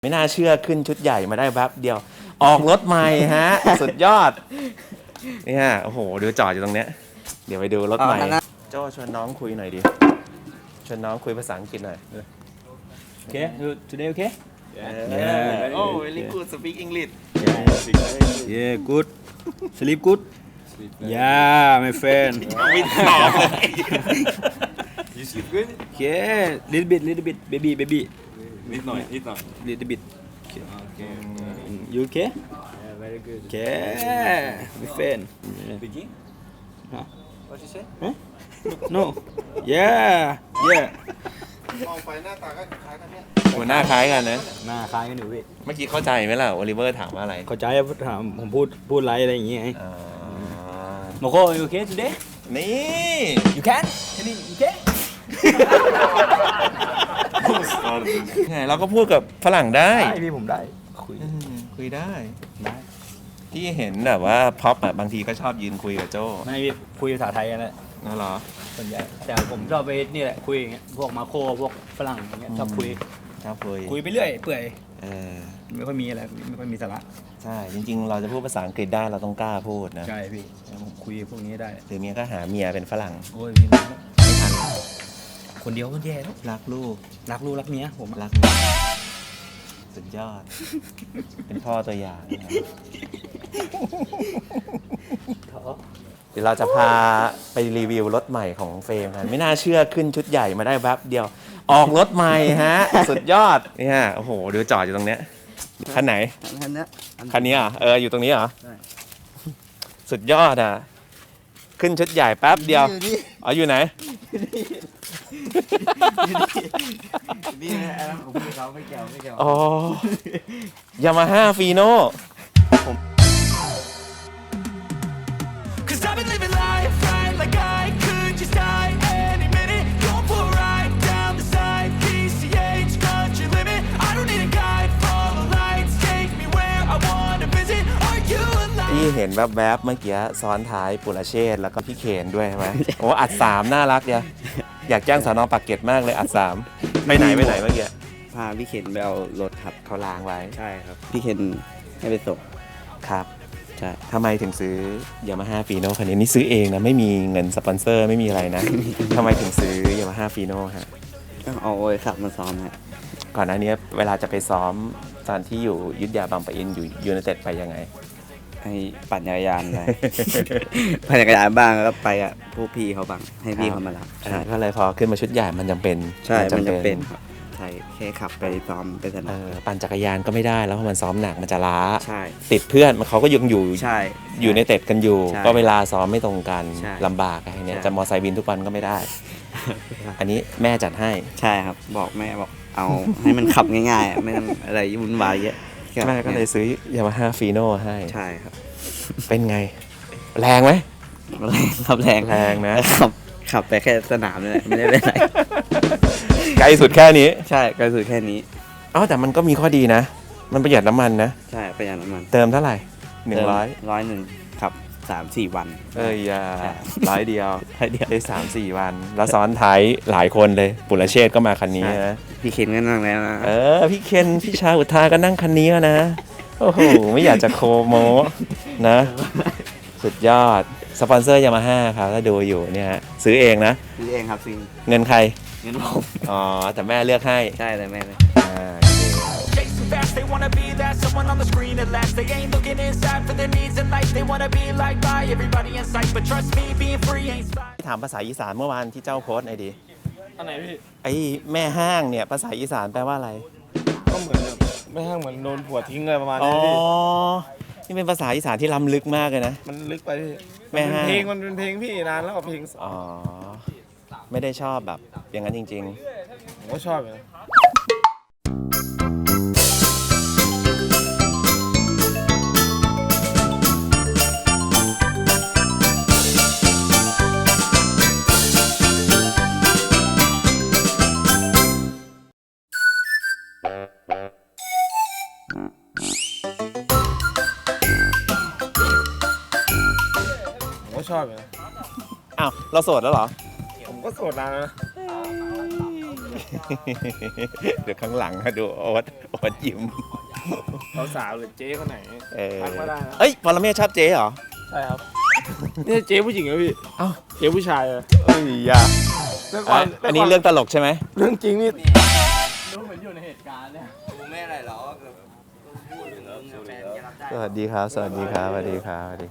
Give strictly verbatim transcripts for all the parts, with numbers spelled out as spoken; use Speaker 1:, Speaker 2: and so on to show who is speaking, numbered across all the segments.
Speaker 1: ไม่น่าเชื่อขึ้นชุดใหญ่มาได้แป๊บเดียวออกรถใหม่ฮะ สุดยอดนี่ฮะโอ้โหดูจอดอยู่ตรงเนี้ยเดี๋ยวไปดูรถใหม่โจ้ชวนน้องคุยหน่อยดิชวนน้องคุยภาษาอังกฤษหน่อย
Speaker 2: Okay, today okay?
Speaker 1: Yeah. Oh, really good. Speak English.
Speaker 2: Yeah, good. Sleep good? Yeah, my friend.
Speaker 1: ไม่ตอบเลย
Speaker 3: You sleep good?
Speaker 2: Yeah, little bit, little bit, baby, baby.
Speaker 3: นิดหน่อยนิดหน่อย
Speaker 2: Little bit. Okay.
Speaker 3: Okay.
Speaker 2: You okay?
Speaker 3: Yeah, very good.
Speaker 2: Okay, my friend. Yeah.
Speaker 3: Speaking?
Speaker 2: Huh?
Speaker 3: What you say?
Speaker 2: Huh? No. Yeah, yeah.
Speaker 3: มองไปหน้าตาก็คล้ายกันเนี่ย
Speaker 1: หัวหน้าคล้ายกันนะ
Speaker 2: หน้าคล้ายกันอยู่พี่
Speaker 1: เมื่อกี้เข้าใจไหมล่ะโอลิเวอร์ถามว่าอะไร
Speaker 2: เข้าใจถามผมพูดพูดไรอะไรอย่างเงี้ยไง
Speaker 1: อ่า
Speaker 2: โมโค you okay today?
Speaker 1: นี่
Speaker 2: You can? Can you you okay?
Speaker 1: ไงเราก็พูดกับฝรั่งได้
Speaker 2: ได้พี่ผมได้คุย
Speaker 1: อืมคุยได้
Speaker 2: ได้
Speaker 1: ที่เห็นแบบว่าพ็อปอะบางทีก็ชอบยืนคุยกับโจ้
Speaker 2: ไม่พี่คุยภาษาไทยกันแหละ
Speaker 1: นั่นเหรอ
Speaker 2: ส่วนใหญ่แต่ผมชอบไปนี่แหละคุยอย่างเงี้ยพวกมาโคพวกฝรั่งอย่างเงี้ยชอบคุย
Speaker 1: ชอบคุย
Speaker 2: คุยไปเรื่อยเปื่อย
Speaker 1: เออ
Speaker 2: ไม่ค่อยมีอะไรไม่ค่อยมีสาระ
Speaker 1: ใช่จริง ๆ เราจะพูดภาษาอังกฤษได้เราต้องกล้าพูดนะ
Speaker 2: ใช่พี่ผมคุยพวกนี้ได้
Speaker 1: หรือเมียก็หาเมียเป็นฝรั่ง
Speaker 2: โอ้ยพี่
Speaker 1: ไม่ทัน
Speaker 2: คนเดียวก็แย่แล้ว
Speaker 1: รักลูก
Speaker 2: รักลูกรักเมียผม
Speaker 1: รักเมียสุดยอด เป็นพ่อตัวอย่างนะเดี๋ยวเราจะพาไปรีวิวรถใหม่ของเฟรมกันไม่น่าเชื่อขึ้นชุดใหญ่มาได้แป๊บเดียว ออกรถใหม่ฮะ สุดยอดนี่ฮะโอ้โหดูจอดอยู่ตรงเนี้ยคันไหน
Speaker 2: คันนี้
Speaker 1: คันนี้อ่ะเอออยู่ตรงนี้เหรอ
Speaker 2: ใช่
Speaker 1: สุดยอดอ่ะ ขึ้นชุดใหญ่แป๊บเดียวอ๋ออยู่ไหน
Speaker 2: นี่นะผมคุยเขาไม่เกี่ยวไม่เกี่ยว
Speaker 1: อ๋อยามาฮ่าฟีโน่
Speaker 4: Cause I've been living life right like I could just die any minute. Going for a ride down the side, P C H, country limit. I don't need a guide, follow lights, take me where I wanna visit. Are you alive?
Speaker 1: ที่เห็นแวบๆเมื่อกี้ซ้อนท้ายปุรเชษฐ์แล้วก็พี่เคนด้วยใช่ไหม โอ้อัดสามน่ารักเดียวอยากจ้างสนปากเกร็ดมากเลยอัดสามไปไหนไปไหนเมื่อกี้
Speaker 5: พาพี่เคนไปเอารถครับ
Speaker 1: เขาล้างไว้
Speaker 5: ใช่ครับ พี่เคนให้ไปส่ง
Speaker 1: ครับ
Speaker 5: ใช่
Speaker 1: ทำไมถึงซื้อยามาฮ่าฟีโน่คันนี้นี่ซื้อเองนะไม่มีเงินสปอนเซอร์ไม่มีอะไรนะ ทำไมถึงซื้อยามาฮ่าฟีโน่ฮะ
Speaker 5: ก็เอาไว้ขับมาซ้อมฮะ
Speaker 1: ก่อนหน้านี้เวลาจะไปซ้อมตอนที่อยู่ยุทธยาบางปะอินอยู่ยูไนเต็ดไปยังไง
Speaker 5: ให้ปั่นจักรยานไป ปั่นจักรยานบ้างแล้วก็ไปกับพวกพี่เขาบ้างให้พี่เขามารับ
Speaker 1: อ่า
Speaker 5: ใช่
Speaker 1: ก็เลยพอขึ้นมาชุดใหญ่มันจำเป็น
Speaker 5: ใช่มันจะเป็นครับใช่แค่ขับไปซ้อมไปส
Speaker 1: เอ
Speaker 5: นาม
Speaker 1: อปั่นจักรยานก็ไม่ได้แล้วเพราะมันซ้อมหนักมันจะล้า
Speaker 5: ใช่
Speaker 1: ติดเพื่อนมันเขาก็ยังอยู่
Speaker 5: ใช่
Speaker 1: อยู่ในเต็ดกันอยู่
Speaker 5: ใช่
Speaker 1: ก็เวลาซ้อมไม่ตรงกัน
Speaker 5: ใช่
Speaker 1: ลำบากอะไรเนี้ย
Speaker 5: ใช่
Speaker 1: จะมอไซค์บินทุกวันก็ไม่ได้ อันนี้แม่จัดให้
Speaker 5: ใช่ครับ บอกแม่บอกเอาให้มันขับง่ายๆอะไม่ต้องอะไรวุ่นวายเยอะ
Speaker 1: แม่ก็เลยซื้อยามาฮ่าฟีโน่ให้
Speaker 5: ใช่ครับ
Speaker 1: เป็นไง แรงไหม
Speaker 5: แรงครับแรง
Speaker 1: แรงนะ
Speaker 5: ขับขับไปแค่สนามนี่แหละไม่ได้ไปไหน
Speaker 1: ไกลสุดแค่นี้
Speaker 5: ใช่ก็คือแค่นี้
Speaker 1: เอ้าแต่มันก็มีข้อดีนะ มันประหยัดน้ำมันนะ
Speaker 5: ใช่ประหยัดน้ำมัน
Speaker 1: เติมเท่าไหร่หนึ่งร้อย
Speaker 5: ร้อยหนึ่งขับสามสี่วัน
Speaker 1: เอ้ยอย่า
Speaker 5: ใช่
Speaker 1: ร้อยเดียว
Speaker 5: ร้อยเดียว
Speaker 1: ได้สามสี่วัน แล้วซ้อนท้ายหลายคนเลย ปุรเชษฐ์ก็มาคันนี้นะ
Speaker 5: พี่เคนก็นั่งแล้วนะ
Speaker 1: เออ พี่เคนพี่ชาอุทาก็นั่งคันนี้นะ โอ้โห ไม่อยากจะโคโมนะ สุดยอด สปอนเซอร์ยามาฮ่าครับถ้าดูอยู่เนี่ยฮะซื้อเองนะ
Speaker 5: ซื้อเองครับซิง
Speaker 1: เงินใคร
Speaker 5: เงินผม
Speaker 1: อ๋อ แต่แม่เลือกให้
Speaker 5: ใช่เลยแม่เลย
Speaker 1: อ่าโอเค
Speaker 4: Chasing fast, they wanna be that someone on the screen at last. They ain't looking inside for their needs in life. They wanna be like by everybody in sight. But trust me, being free ain't spy.
Speaker 1: ถามภาษาอีสานเมื่อวานที่เจ้าโพสต์หน่อยดิ
Speaker 3: อันไหนพี่
Speaker 1: ไอ้แม่ห้างเนี่ยภาษาอีสานแปลว่าอะไร
Speaker 3: ก็เหมือนแบบไม่ห้างเหมือนโดนผัวทิ้งเลยประมาณ
Speaker 1: อ๋อ
Speaker 3: นี้พี่
Speaker 1: นี่เป็นภาษาอีสานที่ล้ำลึกมากเลยนะ
Speaker 3: มันลึกไปพี่
Speaker 1: แม่
Speaker 3: มัน
Speaker 1: ห้าง
Speaker 3: เป็นเพลงมันเป็นเพลงพี่นานแล้วกับเพลง
Speaker 1: อ๋อ ไม่ได้ชอบแบบอย่างนั้นจริง
Speaker 3: ผมก็ชอบอยู่นะ ผมก็ชอบอยู่นะ
Speaker 1: ๆ อ้าว เราโสดแล้วเหรอ
Speaker 3: ผมก็โสดนานแล้วนะ
Speaker 1: เดี๋ยวข้างหลังนะดูโอ๊ตโอ๊ตยิ้ม
Speaker 3: สาวๆหรือเจ๊คนไหน
Speaker 1: เออ
Speaker 3: ทักมาได้นะ
Speaker 1: เอ้ยปรเมศชอบเจ๊เหรอ
Speaker 3: ใช่ครับนี่เจ๊ผู้หญิงเหรอพี่
Speaker 1: เอ้า
Speaker 3: เจ๊ผู้ชายเหรอ
Speaker 1: เอ้ยอยา
Speaker 3: แต่ก่อน
Speaker 1: อันนี้เรื่องตลกใช่ไหม
Speaker 3: เรื่องจริงนี่
Speaker 2: รู้เหมือนอยู่ในเหตุการณ์เลย
Speaker 5: กูไม่อะไรหรอกพูดถึงมึงแฟนจะรับได้
Speaker 1: สวัสดีครับ สวัสดีครับ สวัสดีครับสวัสดี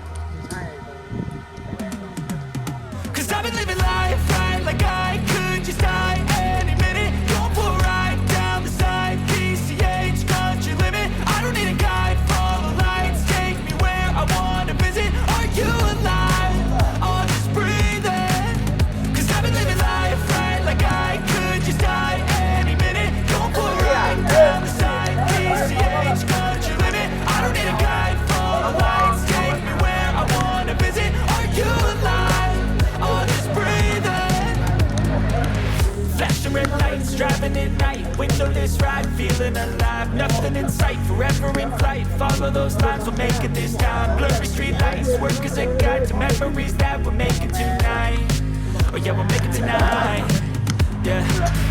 Speaker 4: Cause I've been living life right like I could just die any minute. Don't pull right down the side. P C H, country limit. I don't need a guide, follow lights. Take me where I wanna visit. Are you alive? I'll just breathe in. Cause I've been living life right like I could just die any minute. Don't pull right down the side. P C H, country limit. I don't need a guide, follow lights. Take me where I wanna visit. Are you alive? I'll just breathe in. Flashing red lights, driving at night. Windowless ride, feeling alive. Nothing in sight, forever in flight. Follow those lines, we'll make it this time. Blurry street lights, work as a guide to memories that we're making tonight. Oh yeah, we'll make it tonight. Yeah.